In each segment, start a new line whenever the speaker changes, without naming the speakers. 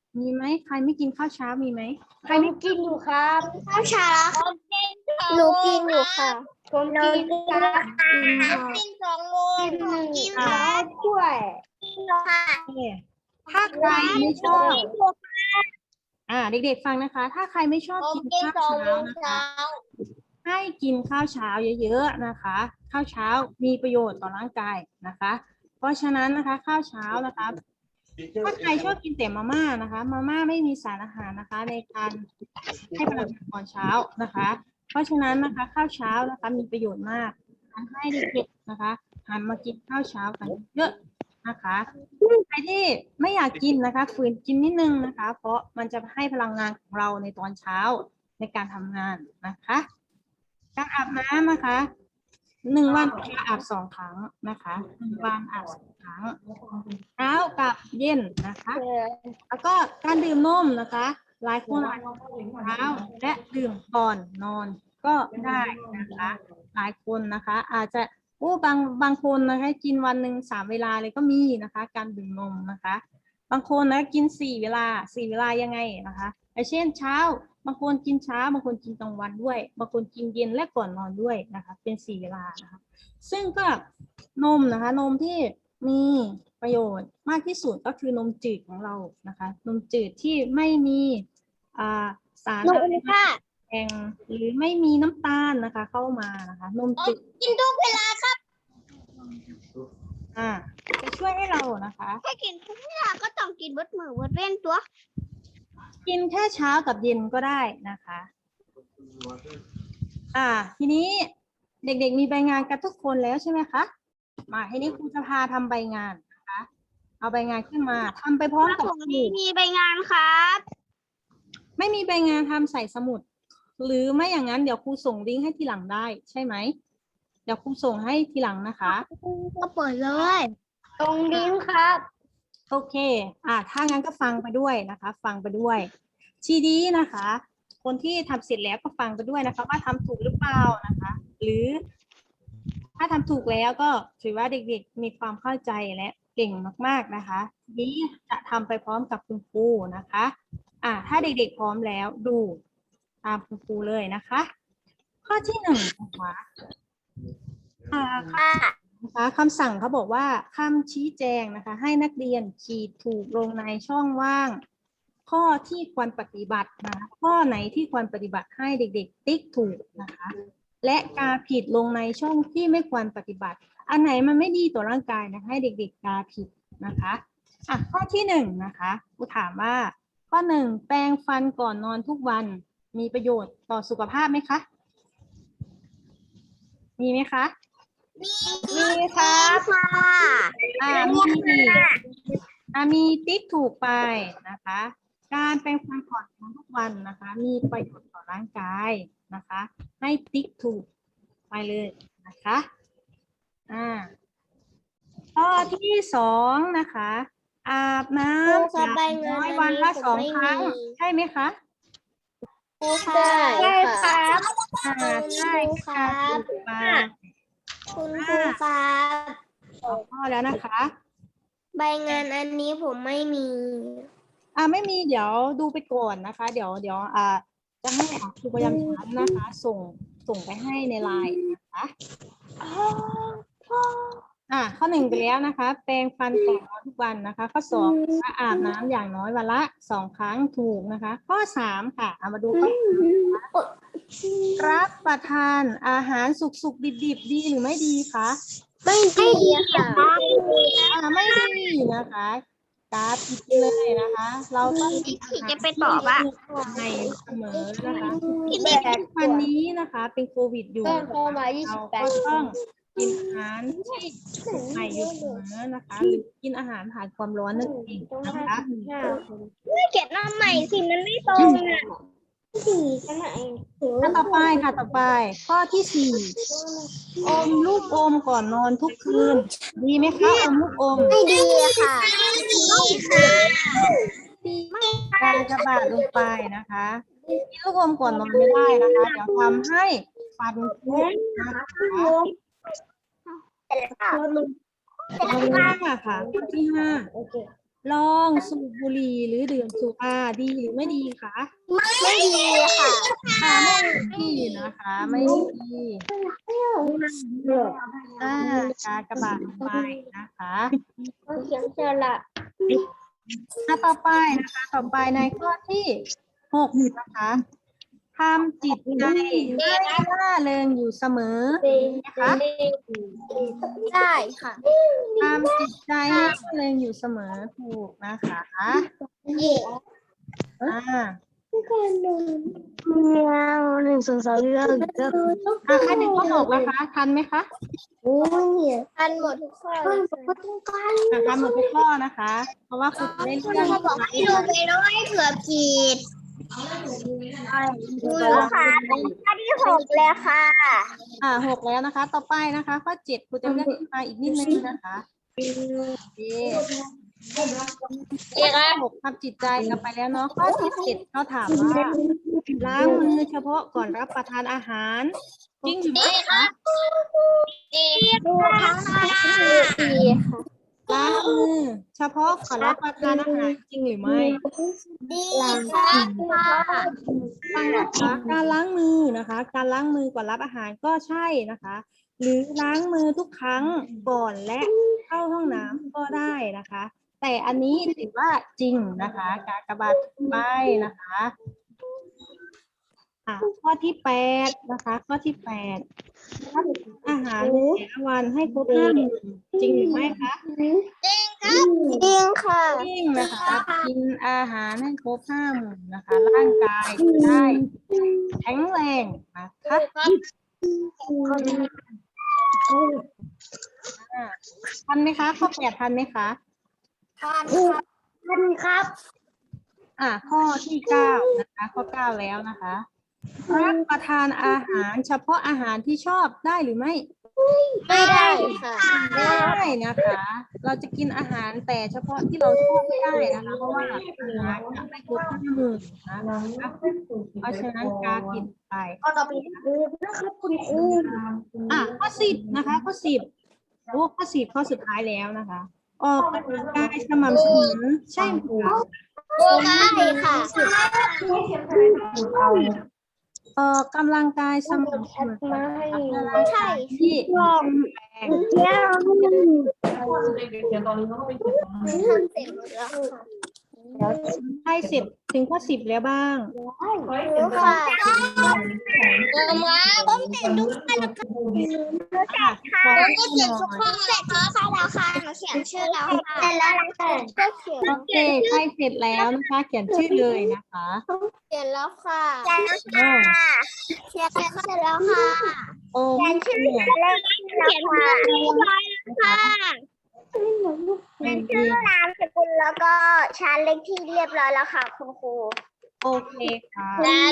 มีไหมใครไม่กินข้าวเช้ามีไหมใคร
ผม
ไม่
กินอยู่ครับ
ข้าวเช้า
หนูกินอยู่ค่ะผมกินครับ
กิน2 โมง
กินหนึ่ง
กิน
ครับถ้วย
ค่ะ
ถ้าใครไม่ชอบเด็กๆฟังนะคะ ถ้าใครไม่ชอบ
ผม
กิน
กิน
ข้าว
2 โม
เช้าง นะคะ
เช้า
ให้กินข้าวเช้าเยอะๆนะคะ ข้าวเช้ามีประโยชน์ต่อร่างกายนะคะ เพราะฉะนั้นนะคะข้าวเช้านะคะ ถ้าใครชอบกินแต่มาม่านะคะมาม่าไม่มีสารอาหารนะคะ ในการให้พลังงานตอนเช้านะคะ เพราะฉะนั้นนะคะข้าวเช้านะคะมีประโยชน์มากทำให้เด็กๆนะคะหันมากินข้าวเช้ากันเยอะนะคะใครที่ไม่อยากกินนะคะฝืนกินนิดนึงนะคะ เพราะมันจะให้พลังงานของเราในตอนเช้าในการทำงานนะคะการอาบน้ำนะคะ1 วันอาบ2 ครั้งนะคะ1 วันอาบ2 ครั้งเช้ากับเย็นนะคะ แล้วก็การดื่มนมนะคะหลายคนอาจจะดื่มเช้าและดื่มก่อนนอนก็ได้นะคะหลายคนนะคะอาจจะบางคนนะคะกินวันหนึ่ง3 เวลาเลยก็มีนะคะการดื่มนมนะคะบางคนนะกิน4 เวลายังไงนะคะเช่นเช้าบางคนกินเช้าบางคนกินกลางวันด้วยบางคนกินเย็นและก่อนนอนด้วยนะคะเป็น4 เวลานะคะซึ่งก็นมนะคะนมที่มีประโยชน์มากที่สุดก็คือนมจืดของเรานะคะนมจืดที่ไม่มีสารอะไรแองหรือไม่มีน้ำตาลนะคะเข้ามานะคะนมจืด
กินทุกเวลาครับ
จะช่วยให้เรานะคะ
ถ้ากินทุกเวลาก็ต้องกินวัดมือวัดเว้นตัว
กินแค่เช้ากับเย็นก็ได้นะคะทีนี้เด็กๆมีใบงานกันทุกคนแล้วใช่ไหมคะมาทีนี้ครูจะพาทำใบงานนะคะเอาใบงานขึ้นมาทำไปพร้อมกับ
ผม
ครู
มีใบงานครับ
ไม่มีใบงานทำใส่สมุดหรือไม่อย่างนั้นเดี๋ยวครูส่งลิงก์ให้ทีหลังได้ใช่ไหมเดี๋ยวครูส่งให้ทีหลังนะคะ
ก็เปิดเลย
ตรงลิ้นครับ
โอเคถ้างั้นก็ฟังไปด้วยนะคะ ฟังไปด้วยทีนี้นะคะ คนที่ทำเสร็จแล้วก็ฟังไปด้วยนะคะว่าทำถูกหรือเปล่านะคะ หรือถ้าทำถูกแล้วก็ถือว่าเด็กๆมีความเข้าใจและเก่งมากๆนะคะทีนี้จะทำไปพร้อมกับคุณครูนะคะถ้าเด็กๆพร้อมแล้วดูตามคุณครูเลยนะคะ ข้อที่1นะคะคำสั่งเขาบอกว่าคำชี้แจงนะคะให้นักเรียนขีดถูกลงในช่องว่างข้อที่ควรปฏิบัตินะคะข้อไหนที่ควรปฏิบัติให้เด็กๆติ๊กถูกนะคะและกาผิดลงในช่องที่ไม่ควรปฏิบัติอันไหนมันไม่ดีต่อร่างกายนะคะให้เด็กๆกาผิดนะคะข้อที่1นะคะครูถามว่าข้อ1แปรงฟันก่อนนอนทุกวันมีประโยชน์ต่อสุขภาพไหมคะมีไหมคะมีครับมีติ๊กถูกไปนะคะการแปรงฟันก่อนนอนทุกวันนะคะมีประโยชน์ต่อร่างกายนะคะให้ติ๊กถูกไปเลยนะคะข้อที่2นะคะอาบน้ำอย่างน้อยวันละ2 ครั้งใช่ไหมคะ
ใช่ครับ
ใช่ค่ะถูกต้อง
คุณครูครับ
ข้อแล้วนะคะ
ใบงานอันนี้ผมไม่มี
ไม่มีเดี๋ยวดูไปก่อนนะคะ เดี๋ยวจะให้ครูประจำชั้นนะคะ ส่งไปให้ในไลน์นะคะข้อ1ไปแล้วนะคะ แปรงฟันก่อนนอนทุกวันนะคะ ข้อ2นะคะอาบน้ำอย่างน้อยวันละ2 ครั้งถูกนะคะ ข้อ3ค่ะมาดูข้อรับประทานอาหารสุกๆดิบๆดีหรือไม่ดีคะ
ไม่ดีค่ะ
ไม่ดีนะคะกราฟผิดเลยนะคะ เราต้องกินอาหาร
จะไปตอบว่า
ใหม่เสมอนะคะแต่วันนี้นะคะเป็นโควิดอยู่
ก็เข้ามา
เราก็ต้องกินอาหารที่สุกใหม่อยู่เสมอนะคะหรือกินอาหารผ่านความร้อนนั่นเองนะคะ
ไม่เก็บน้ำใหม่สิมันไม่ตรงอ่ะ
ต่อไปค่ะต่อไปข้อที่4อมลูกอมก่อนนอนทุกคืนดีไหมคะอมลูกอม
ไม่ดีค่ะ
การจะบาดลงไปนะคะกินลูกอมก่อนนอนไม่ได้นะคะเดี๋ยวทำให้ฟันผุนะคะข้อที่ 5ค่ะข้อที่ลองสูบบุหรี่หรือดื่มสุราดีหรือไม่ดีคะ
ไม่ดีค่ะ
ค่ะไม่ดีนะคะไม่ดีกากบาทไปนะคะ
เขียนเจอละ
ต่อไปนะคะต่อไปในข้อที่6นะคะทำจิตใจให้ร่าเริงอยู่เสมอนะคะ
ได้ค่ะ
ทำจิตใจให้ร่าเริงอยู่เสมอถูกนะคะอ่า
1 2 3 4
ใครถึงข้อ6แล้วคะทันไหมคะ
ทันหมดทุกข้อเลยค่ะ
ทันหมดทุกข้อนะคะ เพราะว่าคุณจะได้เรื่อง
เขาบอกให้ดูไปด้วยเผื่อผิดค่ะข้อที่6เลยค่ะ
6แล้วนะคะ ต่อไปนะคะข้อ7คุณจะเลือกขึ้นมาอีกนิดนึงนะคะโอเคข้อ6ทำจิตใจกันไปแล้วเนาะข้อที่7เขาถามว่าล้างมือเฉพาะก่อนรับประทานอาหารจริงหรือไม่คะ
ดีค่ะ
ล้างมือเฉพาะก่อนรับประทานอาหารจริงหรือไม่
ดีค่ะ
การล้างมือนะคะ การล้างมือก่อนรับอาหารก็ใช่นะคะ หรือล้างมือทุกครั้งก่อนและเข้าห้องน้ำก็ได้นะคะ แต่อันนี้ถือว่าจริงนะคะ กากบาทไปนะคะข้อที่8นะคะ ข้อที่8รับอาหารในแต่ละวันให้ครบ5 มื้อจริงหรือไม่คะ
จริงค่ะ
จริงนะคะกินอาหารให้ครบ5 มื้อนะคะ ร่างกายจะได้แข็งแรงนะคะทันไหมคะข้อ8ทันไหมคะ
ทันครับ
ข้อที่9นะคะข้อ9แล้วนะคะรับประทานอาหารเฉพาะอาหารที่ชอบได้หรือไม่
ไม่ได้ค่ะ
ไม่ได้นะคะ เราจะกินอาหารแต่เฉพาะที่เราชอบไม่ได้นะคะ เพราะว่าอาหารจะไม่ครบ5 มื้อนะคะเพราะฉะนั้นกากินไป
ก็ต่อไปนะครับคุณครู
ข้อ10นะคะข้อ10ข้อ10ข้อสุดท้ายแล้วนะคะ ออกกำลังกายสม่ำเสมอใช่ไหมคะ
ใช่ค่ะ
ออกกำลังกายสม่ำเสมอนะคะ
ใช่
ที่แข็งแรง
ทำเสร็จแล้วค่ะ
ใช่เสร็จถึงข้อ10แล้วบ้าง
รู้ค่ะ
ผมเสร็จทุกข้อแล้วค่ะ
ขอ
ผมก็
ให้
เขียน
ห
ทุก
น่อย
ข้อเสร็จทุกข้อแล้วค่ะหนูเขียนชื่อแล้วค่ะเสร็จแล้วค่ะ
ก็เขียน
โอเคใครเสร็จแล้วนะคะ เขียนชื่อเลยนะคะ
เขียนแล้วค่ะ
เขียนแล้วค่ะเขียนเสร็จแล้วค่ะ
โอ้
เขียนชื่อแล้วเขียนชื่อเรียบร้อยแล้วค่ะเขียนชื่อนามสกุลแล้วก็ชั้นเลขที่เรียบร้อยแล้วค่ะคุณครู
โอเคค่ะ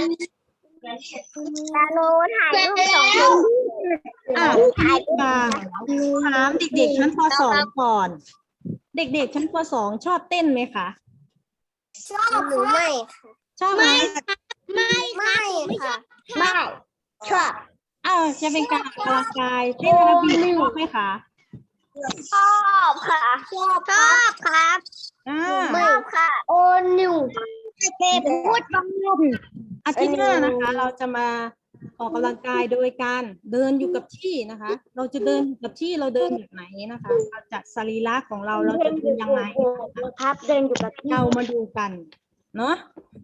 แล้วหนูถ่ายรูปส่งให้
พี่บางถามเด็กๆชั้นป .2 ก่อน เด็กๆชั้นป .2 ชอบเต้นไหมคะ
หนูไม่
ชอบไหม
ไม่ค่ะ
ไม่ชอบ
จะเป็นการออกกำลังกายเต้นแอโรบิกชอบไหมคะ
ชอบค่ะชอบครับ
ไม่ค่ะโอนิว
เก็บพูดบ้าง
อาทิตย์หน้านะคะ เราจะมาออกกำลังกายโดยการเดินอยู่กับที่นะคะ เราจะเดินอยู่กับที่เราเดินแบบไหนนะคะเราจัดสรีระของเราจะเดินยังไงนะคะ
ครับเดินอยู่กับที่
เรามาดูกันเนาะ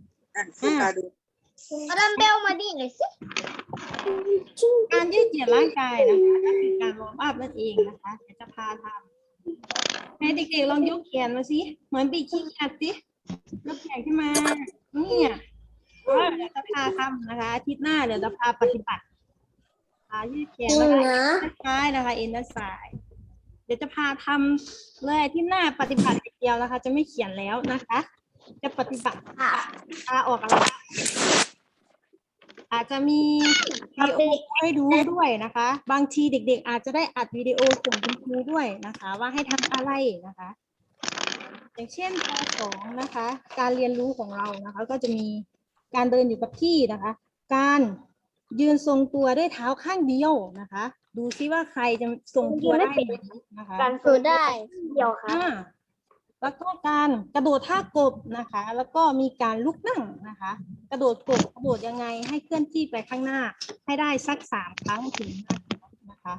เอาดัมเบลมาดิหน่อยสิ
การยืดเหยียดร่างกายนะคะก็คือการวอร์มอัพนั่นเองนะคะเดี๋ยวจะพาทำให้เด็กๆลองยกแขนมาสิเหมือนปีกขี้เกียจสิยกแขนขึ้นมาเนี่ยเดี๋ยวจะพาทำนะคะอาทิตย์หน้าเดี๋ยวจะพาปฏิบัติยืดแขนนะคะซ้ายนะคะเอ็นด้านซ้ายเดี๋ยวจะพาทำเลยอาที่หน้าปฏิบัติอย่างเดียวนะคะ จะไม่เขียนแล้วนะคะ จะปฏิบัติพาออกกำลังกายอาจจะมีวิดีโอให้ดูด้วยนะคะ บางทีเด็กๆอาจจะได้อัดวิดีโอส่งคุณครูด้วยนะคะ ว่าให้ทำอะไรนะคะ อย่างเช่นป .2 นะคะ การเรียนรู้ของเรานะคะ ก็จะมีการเดินอยู่กับที่นะคะ การยืนทรงตัวด้วยเท้าข้างเดียวนะคะ ดูซิว่าใครจะทรงตัวได้ไหมนะคะ
การสู้ได้เดียวครับ
อ่าแล้วก็การกระโดดท่ากบนะคะ แล้วก็มีการลุกนั่งนะคะ กระโดดกบกระโดดยังไงให้เคลื่อนที่ไปข้างหน้า ให้ได้สัก3 ครั้งถึง5 ครั้งนะคะ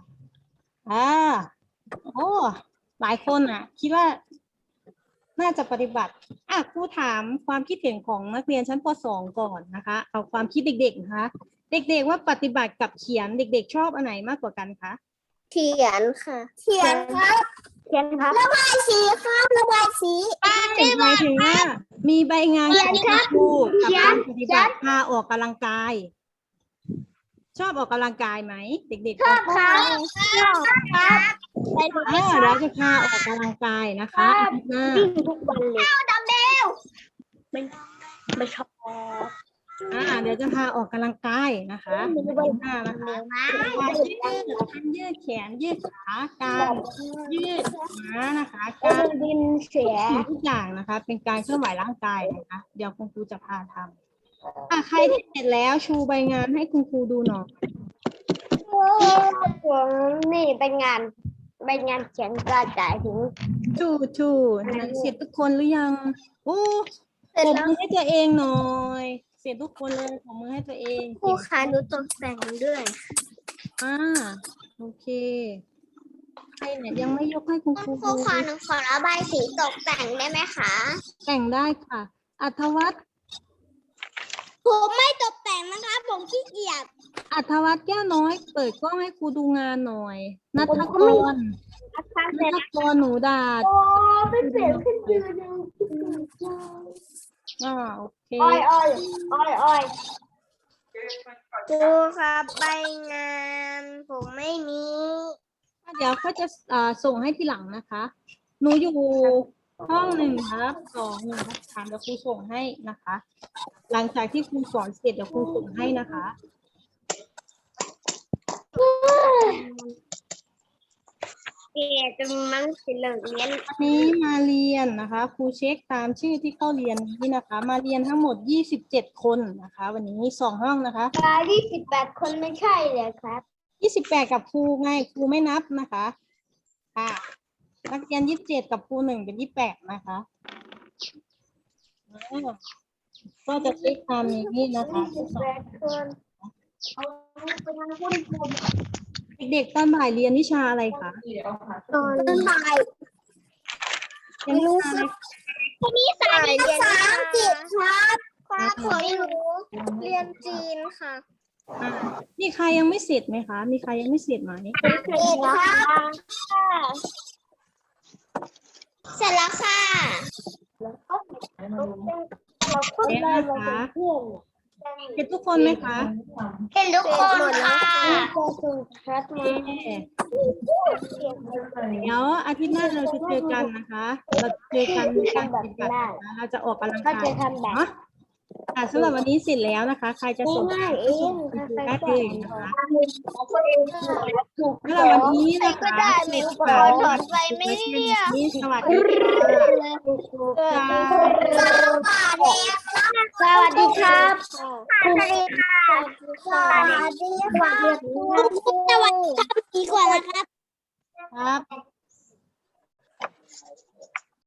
โอ้หลายคนคิดว่าน่าจะปฏิบัติครูถามความคิดเห็นของนักเรียนชั้นป .2 ก่อนนะคะ เอาความคิดเด็กๆนะคะ เด็กๆว่าปฏิบัติกับเขียนเด็กๆชอบอันไหนมากกว่ากันคะ
เขียนค่ะ
เขียนครับเขียนครับระบายสีครับระบายสี
หมายถึงว่ามีใบงานของคุณครูกับการปฏิบัติพาออกกำลังกาย ชอบออกกำลังกายไหมเด็กๆ
ชอบครับชอบครับไปดู
เดี๋ยวจะพาออกกำลังกายนะคะอาทิตย์หน้า
วิ่งทุกวันเลยดัมเบลไม่ชอบ
เดี๋ยวจะพาออกกำลังกายนะคะอาทิตย์หน้านะคะการยืดแขนยืดขาการยืดขานะคะการ
ดินเสีย
ทุกอย่างนะคะ เป็นการเคลื่อนไหวร่างกายนะคะ เดี๋ยวคุณครูจะพาทำใครที่เสร็จแล้วชูใบงานให้คุณครูดูหน่อย
นี่เป็นงานเขียนกระจายถึง
ชูนั้นเสร็จทุกคนหรือยังโอ้ปรบมือให้ตัวเองหน่อยเสร็จทุกคนเลยปรบมือให้ตัวเอง
ครูคะหนูตกแต่งด้วย
โอเคใครเนี่ยยังไม่ยกให้คุณครู
ครูขอหนูขอระบายสีตกแต่งได้ไหมคะ
แต่งได้ค่ะอัธวัฒน์
ผมไม่ตกแต่งนะคะผมขี้เกียจ
อัธวัฒน์แก้วน้อยเปิดกล้องให้ครูดูงานหน่อยนัทกรหนูดาด
โอ้ไม่เปลี่ยนขึ้นยืนยัง
โอเค
อ้อยครูครับใบงานผมไม่มี
เดี๋ยวก็จะส่งให้ทีหลังนะคะ หนูอยู่ห้อง1 ครับ 2 1 ครับ 3เดี๋ยวครูส่งให้นะคะ หลังจากที่ครูสอนเสร็จเดี๋ยวครูส่งให้นะคะ
เกียจมันสิเหลืองเรียน
วันนี้มาเรียนนะคะครูเช็คตามชื่อที่เข้าเรียนนี้นะคะ มาเรียนทั้งหมด27 คนนะคะ วันนี้2 ห้องนะคะ
28 คนไม่ใช่เลยครับ
28กับครูไงครูไม่นับนะคะนักเรียน27กับครู1เป็น28นะคะก็จะเช็คตามนี้นะคะ
28 คนเอาไปทางคุณครู
เด็กๆตอนบ่ายเรียนวิชาอะไรคะ
ตอนบ่าย
เรียนวิชาอะไร
นี่สายเรียนภาษาอังกฤษครับครับผมเรียนจีนค่ะ
มีใครยังไม่เสร็จไหมคะ มีใครยังไม่เสร็จไหม
เสร็จแล้วค่ะ
เสร็จทุกคนไหมคะ
เห็นทุกคนค่ะ
เดี๋ยวอาทิตย์หน้าเราจะเจอกันนะคะ เราจะเจอกันในการปฏิบัตินะคะเราจะออกกำลังกายเนาะสำหรับวันนี้เสร็จแล้วนะคะ ใครจะส่งได้เลยนะคะสำหรับวันนี้นะคะเสร็จค่ะสวัสดีค่ะ
สวัสดีครับ สวัสดีค่ะ สวัสดีค่ะดีกว่านะครับ
ครับ